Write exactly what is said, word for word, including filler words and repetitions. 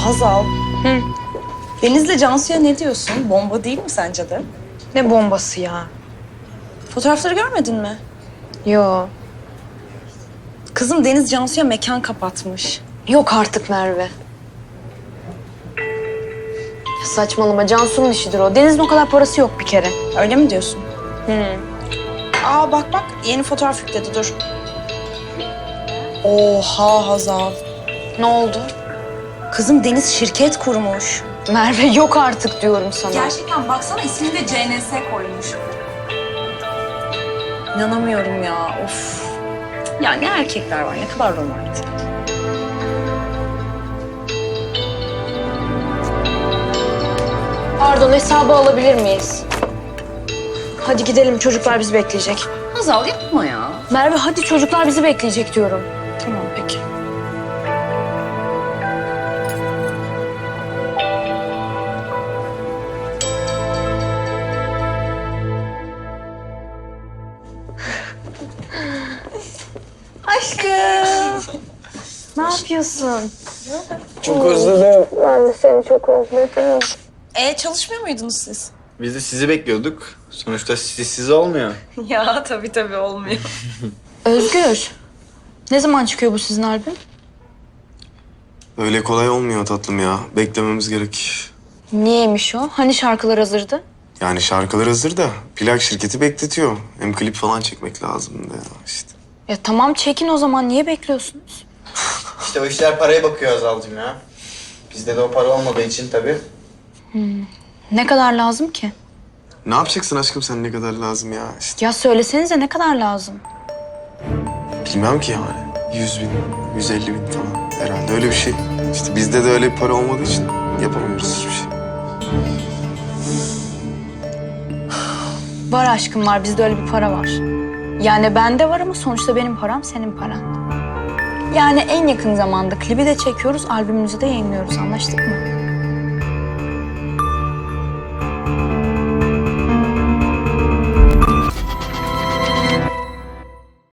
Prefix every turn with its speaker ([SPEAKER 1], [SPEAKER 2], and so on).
[SPEAKER 1] Hazal,
[SPEAKER 2] Hı.
[SPEAKER 1] Deniz'le Cansu'ya ne diyorsun? Bomba değil mi sence de?
[SPEAKER 2] Ne bombası ya?
[SPEAKER 1] Fotoğrafları görmedin mi?
[SPEAKER 2] Yo.
[SPEAKER 1] Kızım Deniz Cansu'ya mekan kapatmış.
[SPEAKER 2] Yok artık Merve. Ya saçmalama, Cansu'nun işidir o. Deniz'in o kadar parası yok bir kere.
[SPEAKER 1] Öyle mi diyorsun?
[SPEAKER 2] Hı.
[SPEAKER 1] Aa bak bak, yeni fotoğraf yükledi, dur. Oha Hazal.
[SPEAKER 2] Ne oldu?
[SPEAKER 1] Kızım Deniz şirket kurmuş.
[SPEAKER 2] Merve yok artık diyorum sana.
[SPEAKER 1] Gerçekten baksana, ismini de C N S koymuş. İnanamıyorum ya, of. Ya ne erkekler var, ne kadar romantik.
[SPEAKER 2] Pardon, hesabı alabilir miyiz? Hadi gidelim, çocuklar bizi bekleyecek.
[SPEAKER 1] Hazal yapma ya.
[SPEAKER 2] Merve hadi, çocuklar bizi bekleyecek diyorum.
[SPEAKER 1] Tamam peki. Aşkım.
[SPEAKER 2] Ne yapıyorsun?
[SPEAKER 3] Çok özledim.
[SPEAKER 2] Ben de seni çok özledim.
[SPEAKER 1] E çalışmıyor muydunuz siz?
[SPEAKER 3] Biz de sizi bekliyorduk. Sonuçta siz siz olmuyor.
[SPEAKER 1] Ya tabii tabii olmuyor.
[SPEAKER 2] Özgür, ne zaman çıkıyor bu sizin albüm?
[SPEAKER 4] Öyle kolay olmuyor tatlım ya. Beklememiz gerek.
[SPEAKER 2] Niyeymiş o? Hani şarkılar hazırdı?
[SPEAKER 4] Yani şarkılar hazır da plak şirketi bekletiyor. Hem klip falan çekmek lazım da ya işte.
[SPEAKER 2] Ya tamam, çekin o zaman, niye bekliyorsunuz?
[SPEAKER 3] İşte o işler paraya bakıyor Azal'cığım ya. Bizde de o para olmadığı için tabii.
[SPEAKER 2] Ne kadar lazım ki?
[SPEAKER 4] Ne yapacaksın aşkım sen, ne kadar lazım ya işte.
[SPEAKER 2] Ya söylesenize, ne kadar lazım?
[SPEAKER 4] Bilmem ki yani. Yüz bin, yüz elli bin falan. Herhalde öyle bir şey. İşte bizde de öyle bir para olmadığı için yapamıyoruz hiçbir şey.
[SPEAKER 2] Var aşkım, var. Bizde öyle bir para var. Yani bende var ama sonuçta benim param senin paran. Yani en yakın zamanda klibi de çekiyoruz, albümümüzü de yayınlıyoruz. Anlaştık mı?